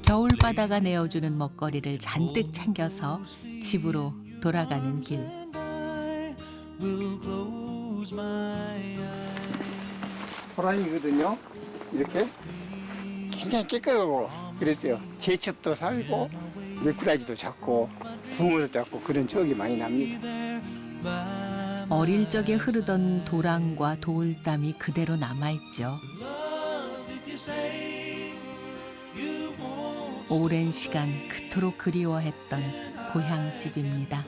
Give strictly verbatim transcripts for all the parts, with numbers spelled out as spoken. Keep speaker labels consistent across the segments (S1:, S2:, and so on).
S1: 겨울바다가 내어주는 먹거리를 잔뜩 챙겨서 집으로 돌아가는 길.
S2: 호랑이거든요. 이렇게 굉장히 깨끗하고 그랬어요. 제첩도 살고 미꾸라지도 잡고 붕어도 잡고 그런 추억이 많이 납니다.
S1: 어릴 적에 흐르던 도랑과 돌담이 그대로 남아있죠. 오랜 시간 그토록 그리워했던 고향집입니다.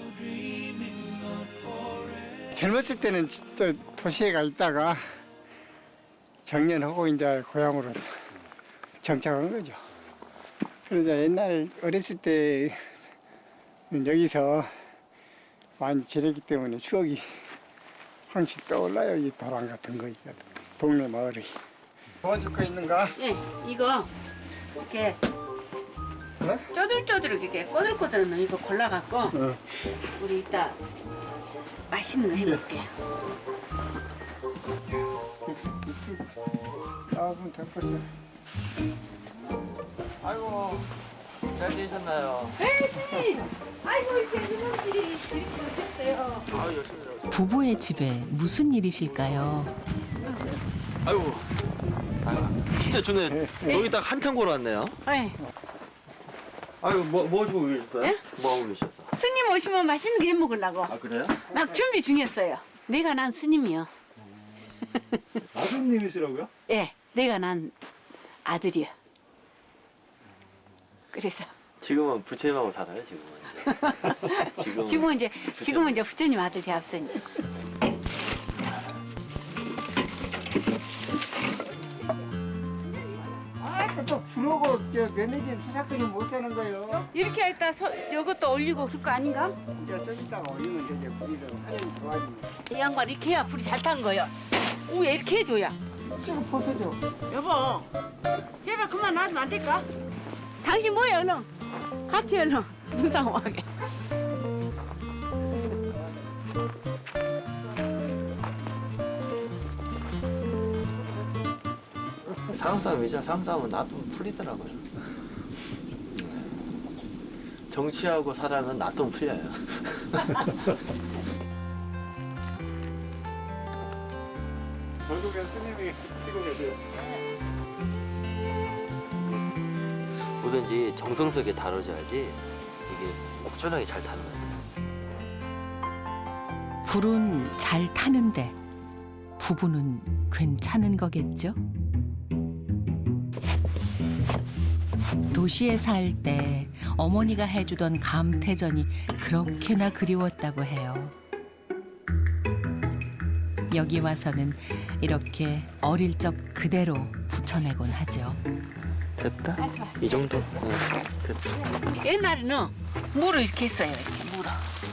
S2: 젊었을 때는 또 도시에 가 있다가 정년하고 이제 고향으로 정착한 거죠. 그러자 옛날 어렸을 때 여기서 많이 지냈기 때문에 추억이 항상 떠올라요. 이 도랑 같은 거, 동네 마을이. 도와줄 거 있는가?
S3: 예, 이거 이렇게
S2: 네?
S3: 쪼들쪼들 이렇게 꼬들꼬들한 거 이거 골라갖고
S2: 어.
S3: 우리 이따 맛있는 거 해볼게요.
S2: 아, 그럼 될 거죠.
S4: 아이고, 잘 지내셨나요?
S3: 에이, 아이고 이렇게 누님들이 이렇게 오셨어요.
S4: 아유, 열심히 일하고.
S1: 부부의 집에 무슨 일이실까요?
S4: 아이고, 아유, 진짜 좋네. 여기 딱 한참 걸어왔네요.
S3: 에이,
S4: 아이고, 뭐, 뭐 하시고 계셨어요?
S3: 예?
S4: 뭐 하고 계셨어?
S3: 스님 오시면 맛있는 거 해먹으려고
S4: 아, 그래요?
S3: 막 준비 중이었어요. 내가 난 스님이요.
S4: 아드님이시라고요?
S3: 예, 내가 난 아들이야. 그래서
S4: 지금은 부처님하고 살아요, 지금은. 이제. 지금은,
S3: 지금은 이제
S4: 부처님.
S3: 지금은 이제 부처님 아들이 앞서 이제.
S2: 아, 또 부르고 저 며느리 수사권이 못 사는 거예요.
S3: 이렇게 했다 서, 이것도 올리고 그럴 거 아닌가?
S2: 이제 좀 이따가 올리면 되죠. 불이를 하얀 좋아집니다.
S3: 이 양반 이렇게 해야 불이 잘 탄 거야. 왜 이렇게 해줘야?
S2: 지금 벗어줘.
S3: 여보, 제발 그만 놔주면 안 될까? 당신 뭐야, 얼른? 같이 얼른 눈상하게.
S4: 상싸움이죠. 상싸움은 놔두면 풀리더라고요. 정치하고 사랑은 놔두면 풀려요.
S2: 결국엔 스님이 뛰고 계세요.
S4: 뭐든지 정성스럽게 다뤄줘야지 이게 목전하게 잘 타는 것 같아요.
S1: 불은 잘 타는데 부부는 괜찮은 거겠죠? 도시에 살 때 어머니가 해주던 감태전이 그렇게나 그리웠다고 해요. 여기 와서는 이렇게 어릴 적 그대로 붙여내곤 하죠.
S4: 됐다? 이 정도? 응, 됐다.
S3: 옛날에는 물을 이렇게 했어요, 이렇게 물을.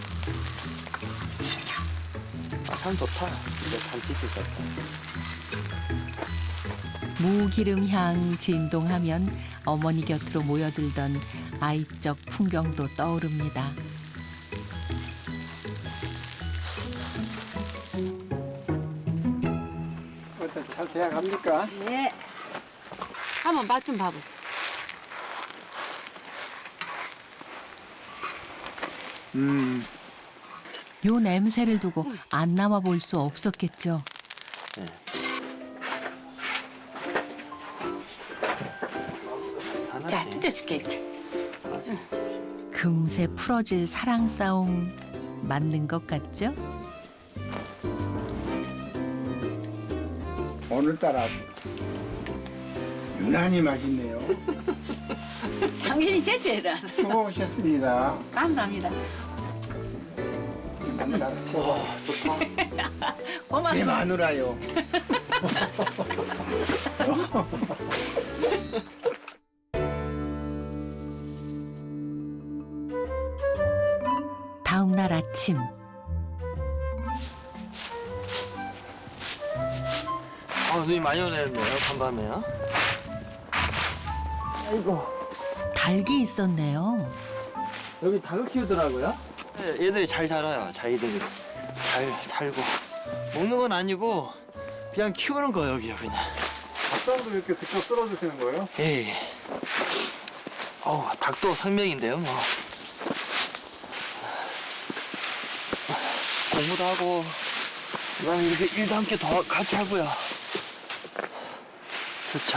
S4: 아, 참 좋다. 이제 잔치집 같다.
S1: 무기름 향 진동하면 어머니 곁으로 모여들던 아이적 풍경도 떠오릅니다.
S2: 어때 잘 돼야 갑니까?
S3: 네. 한번 맛 좀 봐보.
S2: 음.
S1: 요 냄새를 두고 안 남아 볼 수 없었겠죠.
S4: 네.
S3: 자,
S4: 하나씩.
S3: 뜯어줄게, 이렇게.
S1: 금세 풀어질 사랑 싸움 맞는 것 같죠?
S2: 오늘따라 유난히 맛있네요.
S3: 당신이 제째라.
S2: 수고하셨습니다.
S3: 감사합니다.
S2: 마누라 최고.
S4: 좋다.
S2: 제
S3: 고맙습니다.
S2: 마누라요.
S1: 다음 날 아침
S4: 아, 눈이 많이 오네요, 간밤에요. 아이고.
S1: 닭이 있었네요.
S4: 여기 닭을 키우더라고요? 네, 얘들이 잘 자라요, 자기들이. 잘 살고. 먹는 건 아니고, 그냥 키우는 거예요, 여기요, 그냥.
S2: 밥상도 이렇게 직접 썰어주시는 거예요?
S4: 예. 어우, 닭도 생명인데요, 뭐. 공부도 하고, 그다음에 이렇게 일도 함께 더 같이 하고요. 좋죠.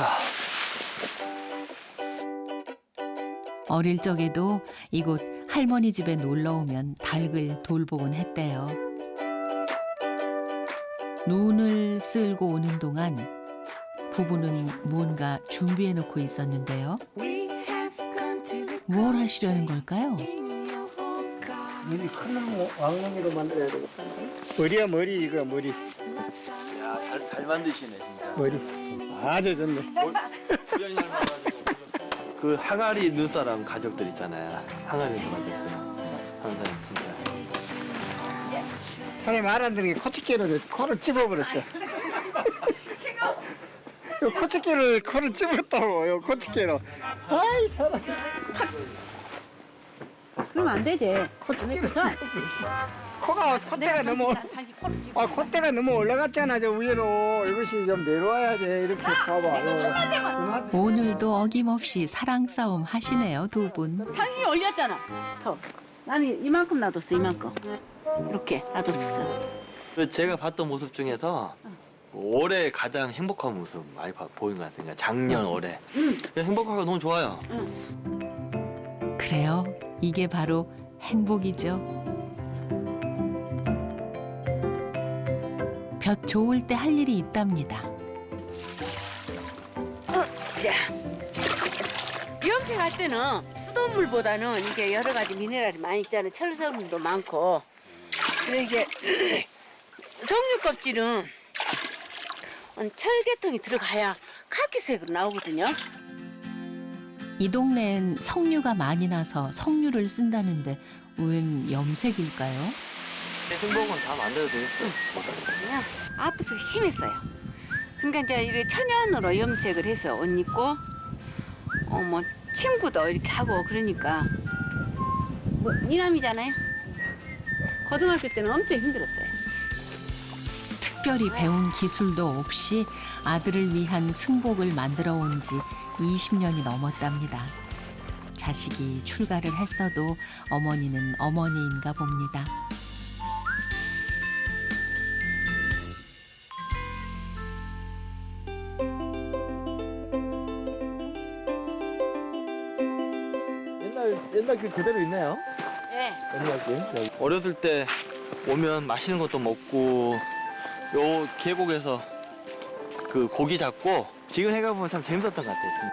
S1: 어릴 적에도 이곳 할머니 집에 놀러 오면 닭을 돌보곤 했대요. 눈을 쓸고 오는 동안 부부는 무언가 준비해 놓고 있었는데요. 뭘 하시려는 걸까요?
S2: 머리 큰 나무 왕릉이로 만들어야 되겠다. 머리야 머리 이거 머리.
S4: 야, 잘, 잘 만드시네, 진짜.
S2: 머리. 아주 좋네.
S4: 그 항아리 눈사람 가족들 있잖아요. 항아리에서 만들었어요. 항상 진짜.
S2: 사람이 말 안 듣는 게 코치기로 코를 찝어버렸어. 요 코치기로 코를 찝었다고 요 코치기로. 아이 사람.
S3: 그러면 안 되지.
S2: 코치기로 찝어버렸어. 코가 콧대가 너무 아 콧대가 너무 올라갔잖아 저 위로. 이것이 좀 내려와야지. 이렇게 봐봐.
S1: 오늘도 어김없이 사랑 싸움 하시네요, 두 분.
S3: 당신이 올렸잖아. 더. 나는 이만큼 놔뒀어, 이만큼. 이렇게 놔뒀었어.
S4: 그 제가 봤던 모습 중에서 올해 가장 행복한 모습 많이 봐- 보인 것 같습니다. 작년 올해.
S3: 응.
S4: 그냥 행복하고 너무 좋아요.
S1: 그래요. 이게 바로 행복이죠. 볕 좋을 때 할 일이 있답니다.
S3: 자, 염색할 때는 수돗물보다는 이게 여러 가지 미네랄이 많이 있잖아요. 철 성분도 많고. 그리고 이게 석류 껍질은 철계통이 들어가야 카키색으로 나오거든요.
S1: 이 동네엔 석류가 많이 나서 석류를 쓴다는데 웬 염색일까요?
S4: 행복은 다 만들어도 되겠어요.
S3: 그냥 아프기가 심했어요. 그러니까 이제 이렇게 천연으로 염색을 해서 옷 입고 어 뭐 친구도 이렇게 하고 그러니까 뭐 이남이잖아요. 고등학교 때는 엄청 힘들었어요.
S1: 특별히 배운 기술도 없이 아들을 위한 승복을 만들어 온 지 이십 년이 넘었답니다. 자식이 출가를 했어도 어머니는 어머니인가 봅니다.
S4: 옛날 옛날 길 그대로 있네요.
S3: 네.
S4: 옛날 길. 여기. 어렸을 때 오면 맛있는 것도 먹고 요 계곡에서 그 고기 잡고 지금 생각해보면 참 재밌었던 것 같아요.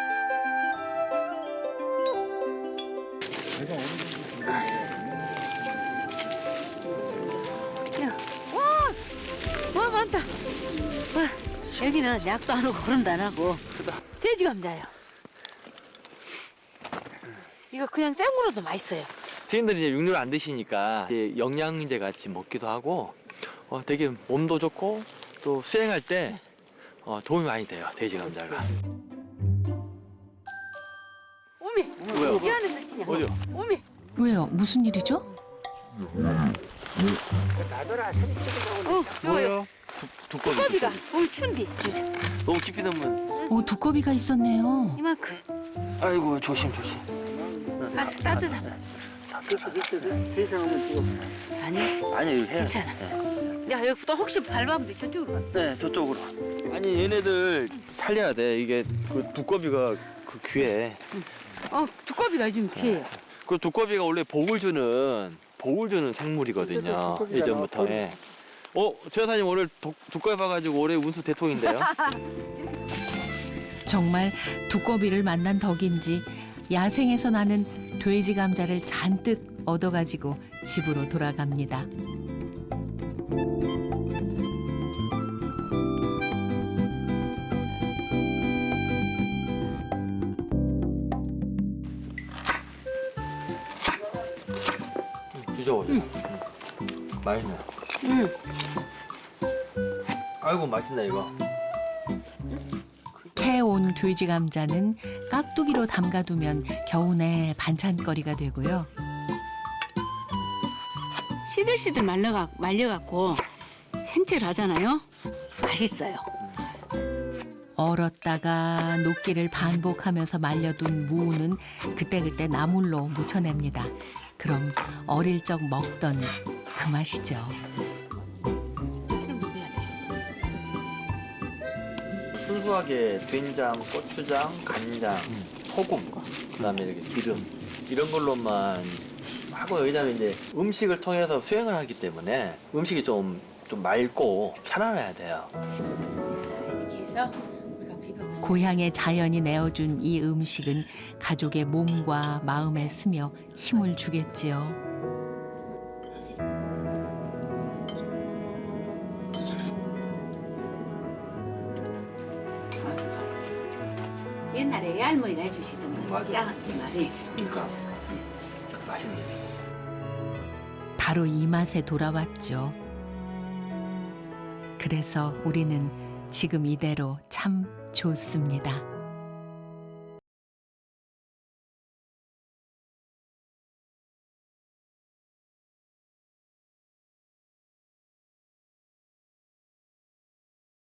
S3: 와 많다. 와, 여기는 약도 안 하고 거름도 안 하고 돼지 감자요. 이거 그냥 생으로도 맛있어요.
S4: 시인들이 이제 육류를 안 드시니까 이제 영양제 같이 먹기도 하고 어, 되게 몸도 좋고 또 수행할 때 어, 도움이 많이 돼요. 돼지 감자가.
S3: 오미.
S4: 왜요?
S3: 이 안에 넣지냐?
S4: 어디요?
S3: 오미.
S1: 왜요? 무슨 일이죠?
S2: 나더라 사진 찍으려고.
S3: 어,
S2: 뭐요?
S4: 두꺼비.
S3: 두꺼비가 오미 춘디.
S4: 너무 깊이 넣으면
S1: 어, 두꺼비가 있었네요.
S3: 이만큼.
S4: 아이고 조심 조심.
S3: 아, 따뜻하다.
S2: 됐어 됐어 됐어. 더 이상 하면 지금.
S3: 아니,
S4: 아니 이거 해요.
S3: 괜찮아.
S4: 네.
S3: 야, 여기 또 혹시 밟으면 돼. 저쪽으로 가.
S4: 네 저쪽으로. 아니 얘네들 살려야 돼. 이게 그 두꺼비가 그 귀에.
S3: 어, 두꺼비가 요즘 귀해요.
S4: 그 두꺼비가 원래 복을 주는 복을 주는 생물이거든요.
S2: 두꺼비가
S4: 예전부터. 예. 어, 최 여사님 오늘 두, 두꺼비 봐가지고 올해 운수 대통인데요.
S1: 정말 두꺼비를 만난 덕인지 야생에서 나는 돼지 감자를 잔뜩 얻어가지고 집으로 돌아갑니다.
S4: 드셔보세요. 응. 맛있네.
S3: 응.
S4: 아이고 맛있네 이거.
S1: 캐온 돼지 감자는 깍두기로 담가두면 겨우내 반찬거리가 되고요.
S3: 시들시들 말려가, 말려갖고 생채를 하잖아요. 맛있어요.
S1: 얼었다가 녹기를 반복하면서 말려둔 무는 그때그때 나물로 무쳐냅니다. 그럼 어릴 적 먹던 그 맛이죠.
S4: 순수하게 된장, 고추장, 간장, 소금, 그다음에 이렇게 기름 이런 걸로만 하고 왜냐면 이제 음식을 통해서 수행을 하기 때문에 음식이 좀, 좀 맑고 편안해야 돼요.
S3: 이렇게 해서 우리가 비벼.
S1: 고향의 자연이 내어준 이 음식은 가족의 몸과 마음에 스며 힘을 주겠지요.
S3: 옛날에 할머니가 해주시던 거 짜지 말이.
S4: 그러니까 맛있는 게.
S1: 바로 이 맛에 돌아왔죠. 그래서 우리는 지금 이대로 참 좋습니다.